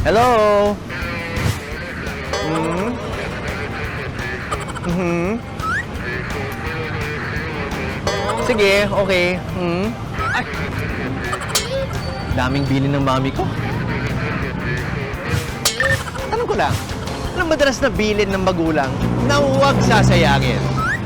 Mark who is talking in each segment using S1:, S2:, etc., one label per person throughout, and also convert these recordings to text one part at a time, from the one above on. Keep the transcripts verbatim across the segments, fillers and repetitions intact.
S1: Hello? Hmm? Mhm. Sige, okay. Hmm? Ay! Daming bilin ng mami ko. Tanong ko lang, anong madalas na bilin ng magulang na huwag sasayangin?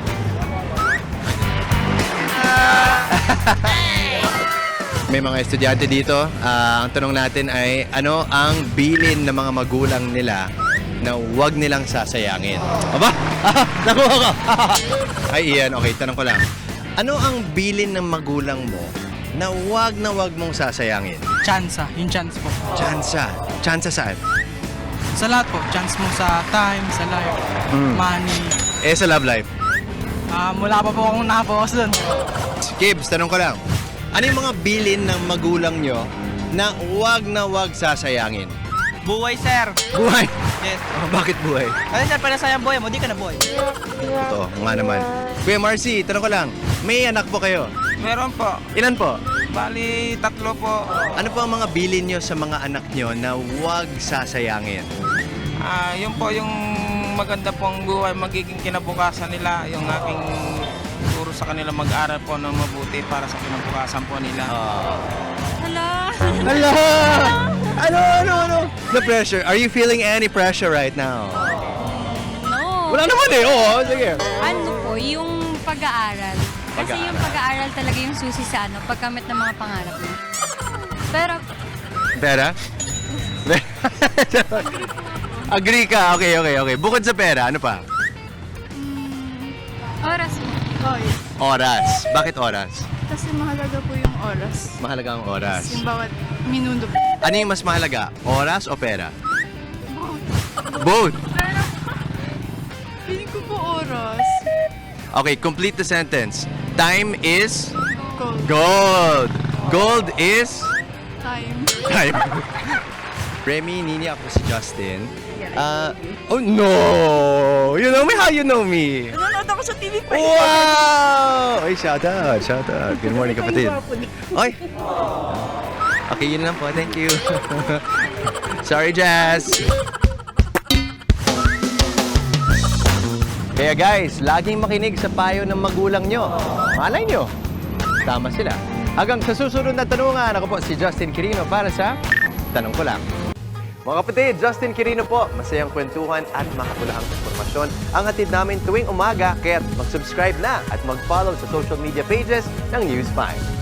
S1: May mga estudyante dito. Ah, ang tanong natin ay, ano ang bilin ng mga magulang nila na huwag nilang sasayangin? Aba! Ah, nakuha ko! Ay, Ian, okay, tanong ko lang. Ano ang bilin ng magulang mo na huwag na huwag mong sasayangin?
S2: Chance, yung chance po.
S1: Tsansa. Tsansa saan?
S2: Sa lahat po, chance mo sa time, sa life,
S1: Mm.
S2: money.
S1: Eh, sa love life.
S2: Ah, wala pa po akong nakapokus dun.
S1: Kibs, tanong ko lang. Ano yung mga bilin ng magulang nyo na huwag na huwag sasayangin?
S2: Buhay, sir.
S1: Buhay!
S2: Yes.
S1: Oh, bakit buhay?
S2: Kasi sir, pala sayang buhay mo, di ka na buhay.
S1: Ito, nga naman. Kuya Marcy, tanong ko lang. May anak po kayo?
S2: Meron po.
S1: Ilan po?
S2: Bali, tatlo po.
S1: Ano po ang mga bilin nyo sa mga anak nyo na huwag sasayangin?
S3: Ah, yun po yung maganda pong buhay, magiging kinabukasan nila, yung aking turo sa kanila mag-aral po ng mabuti para sa kinabukasan po nila.
S4: Hala!
S1: Hala! Ano, ano, ano? The pressure. Are you feeling any pressure right now?
S4: No.
S1: Wala naman eh. Oo, sige.
S4: Ano po, yung pag-aaral. Kasi
S1: Pag-aaral.
S4: yung pag-aaral talaga yung susi sa ano, pagkamit ng mga pangarap mo. Pero,
S1: Pera? Agree ka. Okay, okay, okay. Bukod sa pera, ano pa?
S4: oras mo.
S1: Oras. Bakit oras?
S5: Kasi mahalaga po yung oras.
S1: Mahalaga ang oras.
S5: Yung bawat minuto.
S1: Ano yung mas mahalaga? Oras o pera? Both.
S5: Feeling ko po oras.
S1: Okay, complete the sentence. Time is
S5: Gold.
S1: gold. Gold is
S5: Time.
S1: time. Remy, Nini, ako si Justin. Uh, oh no! You know me how you know me?
S5: Nanonood ako sa T V pa.
S1: Wow! Ay, shout out, shout out. Good morning, kapatid. Ay! Okay, yun lang po. Thank you. Sorry, Jazz. Kaya guys, laging makinig sa payo ng magulang nyo. Malay nyo, tama sila. Hanggang sa susunod na tanungan, ako po si Justin Quirino para sa Tanong Ko Lang. Mga kapatid, Justin Quirino po. Masayang kwentuhan at makapulahang informasyon ang hatid namin tuwing umaga. Kaya mag-subscribe na at mag-follow sa social media pages ng News five.